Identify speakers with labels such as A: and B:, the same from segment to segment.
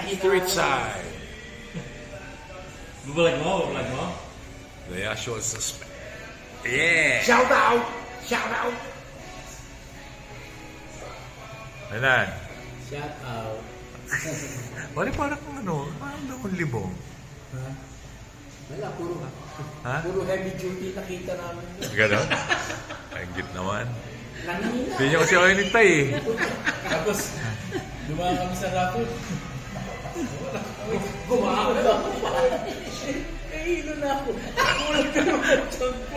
A: Street side.
B: Bubalag mo, bubalag mo.
A: The actual suspect. Yeah!
C: Shout out! Shout out!
A: Ayan.
C: Shout out.
A: Parang ano, parang akong libong.
C: Ha? Wala, puro
A: Ha?
C: Puro heavy duty nakita namin.
A: Ganon? Ang git naman.
C: Nanginina.
A: Hindi niya kasi ako inintay eh.
B: Tapos, dumaan kami sa rapid.
C: Gumawa na ako. Nahihilo na ako. Kulang ka naman ang tiyan ko.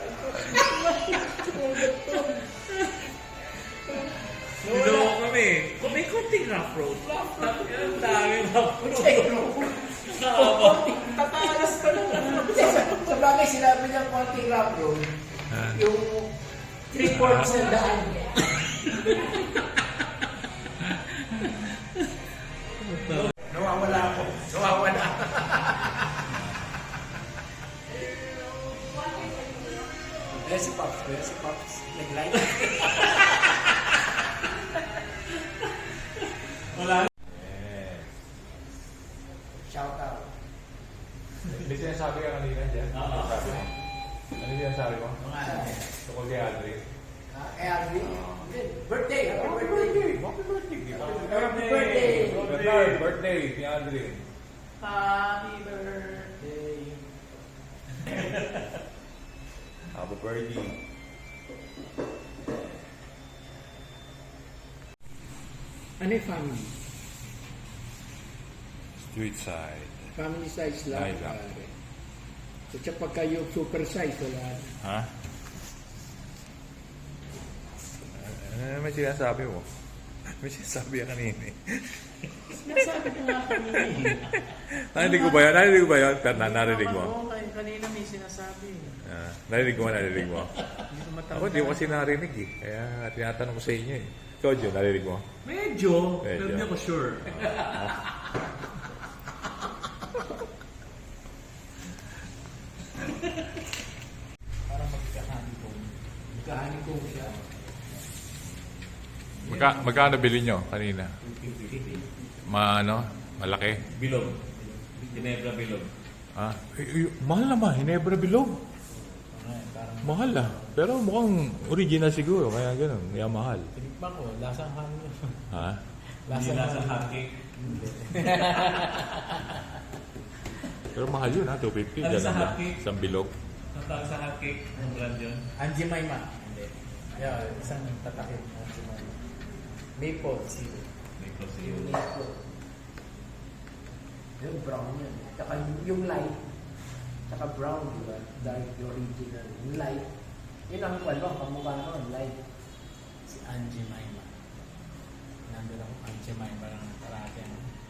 B: Dito kami. May konting rough road. Ang daming rough road.
C: Tatalas ka lang. Sa bagay, sinabi niya konting rough road. Yung 3/4 na daan. Nawawala ako. Nawawala. Si Pops. Nag-like.
B: Wala.
C: Shout out.
A: May sinasabi ka kanina dyan?
B: Oo.
A: Sabi mo? Ano yung sinasabi mo?
B: Mga
A: Tungkol kay Adri?
C: Alvin. Birthday. Happy birthday.
A: Happy birthday!
C: Happy birthday.
A: Birthday ni Adri.
C: Happy birthday.
A: Happy birthday.
C: Ano yung family?
A: Street side.
C: Family size lang.
A: Ay, lang.
C: pare. At saka pagka yung super size, wala na.
A: Ha? May sinasabi mo. May sinasabi ka kanina eh.
B: Sinasabi ko nga kanina eh.
A: Narinig ko ba yun? Narinig ko ba yun? Pero narinig mo?
B: Oo, kanina may sinasabi.
A: Narinig mo? Narinig mo?
B: Hindi ko matanda.
A: Ako, di ko kasi narinig eh. Kaya tinatanong ko sa inyo eh. Ikaw, Joe, narinig mo?
B: Medyo.
A: Medyo.
B: Pero hindi ako sure.
C: Para magkahani ko siya.
A: Magkano bili nyo kanina? Malaki?
B: Bilog. Ginebra bilog.
A: Ah, mahal naman, Hinebra Bilog. Mahal ah. Pero mukhang original siguro, kaya ganun. Kaya mahal.
C: Tinikman ko, lasang hangin.
A: Ha?
B: Hindi nasa hotcake.
A: Pero mahal yun ha, 250.
B: Ano
A: Ganun
B: sa
A: lang.
B: hotcake?
A: Isang bilog.
B: Ang tawag sa hotcake, ang brand yun.
C: Angie Maima. Hindi. Yeah, isang tatakip. Angie Maima. Maple syrup.
B: May procedure.
C: Yung maple. Yung brown yan. Tsaka yung light. Tsaka brown, di ba? Dark, yung original. Yung light. Yun ang kamukha ko, ang light. Si Angie Maima. Nandun ako, Angie Maima ng parati.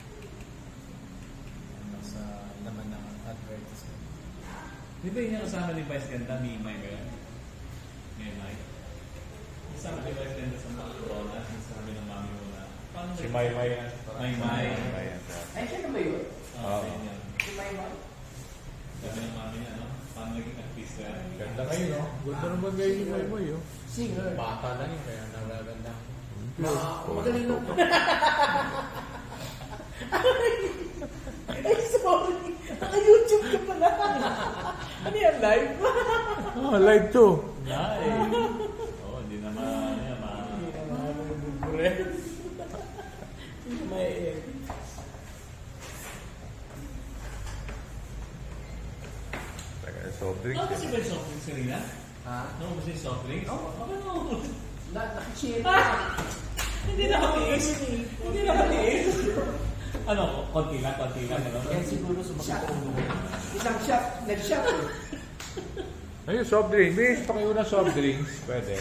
C: Ano sa laman ng advertisement.
B: Di ba yun yung kasama ni Vice Ganda, Mimay ba yun? Mimay? Kasama ni Vice Ganda sa mga corona, sinasabi ng mami mo na, paano
A: Si Maymay yan.
B: Maymay.
A: Maymay yan.
C: Ay, siya na ba yun?
B: Oo, yun yan.
C: Si Maima?
B: Sabi ng mami niya, no? Paano naging artista yan?
A: Ganda kayo, no? Ganda naman kayo ni Maymay, oh.
C: Singer.
D: Bata lang yun, kaya nagaganda.
C: Magaling lang. Ay, sorry. Naka-YouTube ka pala. Ano yan, live?
A: Ah, live to.
B: Live! Oo, hindi naman, ano yan,
C: Hindi naman ako magbubure. May...
A: Soft drinks.
B: Ano kasi ba yung soft drinks kanina?
C: Ha?
B: Ano ba yung soft drinks? Ano?
C: Nakachip.
B: Hindi nakatiis. Hindi nakatiis. Ano, konti lang. Ano?
C: Yan siguro sumakit ang lugar. Isang shot. Nag-shot.
A: Ayun, soft drinks. Bis, pakiuna soft drinks. Pwede.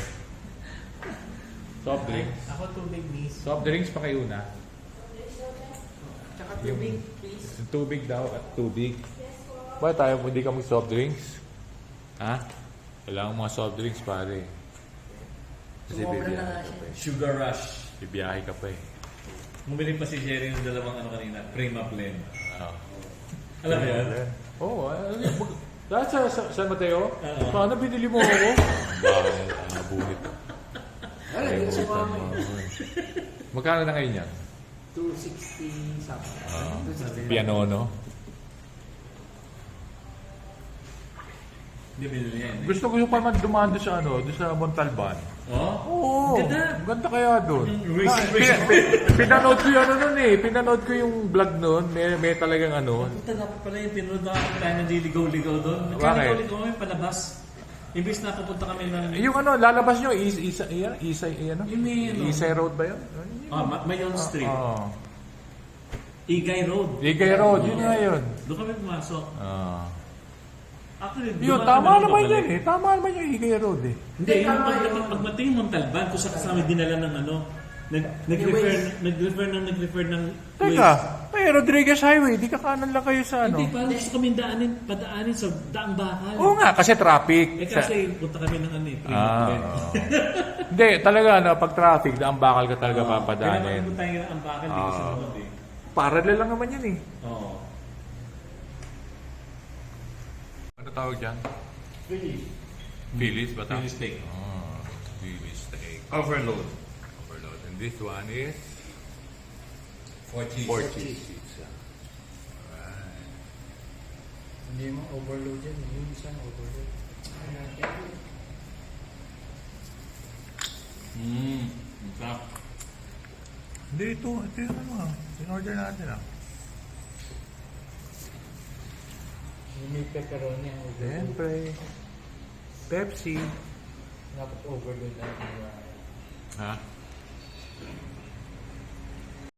A: Soft drinks.
C: Ako tubig, miss.
A: Soft drinks pakiuna.
C: Tsaka tubig, please.
A: Tubig daw at tubig. Ba tayo hindi ka mag-soft drinks? Ha? Kailangan mga soft drinks, pare. Kasi
C: Sumobra na
A: bibiyahe
C: nga
A: ka
C: siya.
A: pa eh.
B: Sugar rush.
A: Bibiyahe ka pa eh.
B: Bumili pa si Jerry ng dalawang ano kanina, Prima Blend.
A: Ah.
B: Alam mo yan?
A: Oo. Dahil sa San Mateo?
B: Oo.
A: Paano binili mo ako? Bakit? Nabunit.
C: Wala, hindi ko sumama.
A: Magkano na ngayon yan?
C: 260 something.
A: Ah,
C: 260.
A: piano, no?
B: Hindi binili yan.
A: Gusto ko yung pa man dumaan doon sa ano, doon sa Montalban.
B: Oh?
A: Oo.
B: Ganda.
A: Ganda kaya doon.
B: Racing,
A: Pinanood ko yung ano nun eh. Pinanood ko yung vlog nun. May talagang ano.
B: Punta na pala yung pinunod na tayo naliligaw-ligaw doon.
A: Bakit?
B: Nagkaligaw-ligaw kami palabas. Imbis na pupunta kami ng...
A: Yung ano, lalabas nyo,
B: Yung may ano?
A: Isay Road ba yun?
B: Mayon Street.
A: Oo.
B: Igay Road.
A: Igay Road, yun nga yun.
B: Doon kami pumasok. Actually,
A: Yun,
B: dumaan
A: tama
B: kami
A: naman
B: pabalik.
A: yan eh. Tama naman yung Igay Road eh.
B: Hindi, yung pagmating yung Montalban, kung sa kasama dinala ng ano, nag-refer ng
A: Teka, may Rodriguez Highway, di ka kanan lang kayo sa ano.
B: Hindi, parang gusto kami padaanin sa daang bakal.
A: Oo nga, kasi traffic.
B: Eh kasi punta kami ng ano eh, Primo Event.
A: oo. Hindi, talaga ano, pag traffic, daang bakal ka talaga
B: Kaya
A: papadaanin.
B: naman tayo ang bakal, di ko sinunod eh.
A: Parallel lang naman yan eh.
B: Oo.
A: Ano tawag dyan?
C: Really?
A: Phillies ba
B: Phillies steak.
A: Oh, Phillies steak.
B: Overload.
A: Overload. And this one is?
B: Four cheese.
A: Four cheese pizza.
D: Hindi mo overload yan. Yung isang overload.
B: Masarap.
A: Hindi, ito yung ano ah. In-order natin ah.
D: Yung may pepperoni ang overload.
A: Siyempre. Pepsi.
D: Dapat overload na.
A: Ha?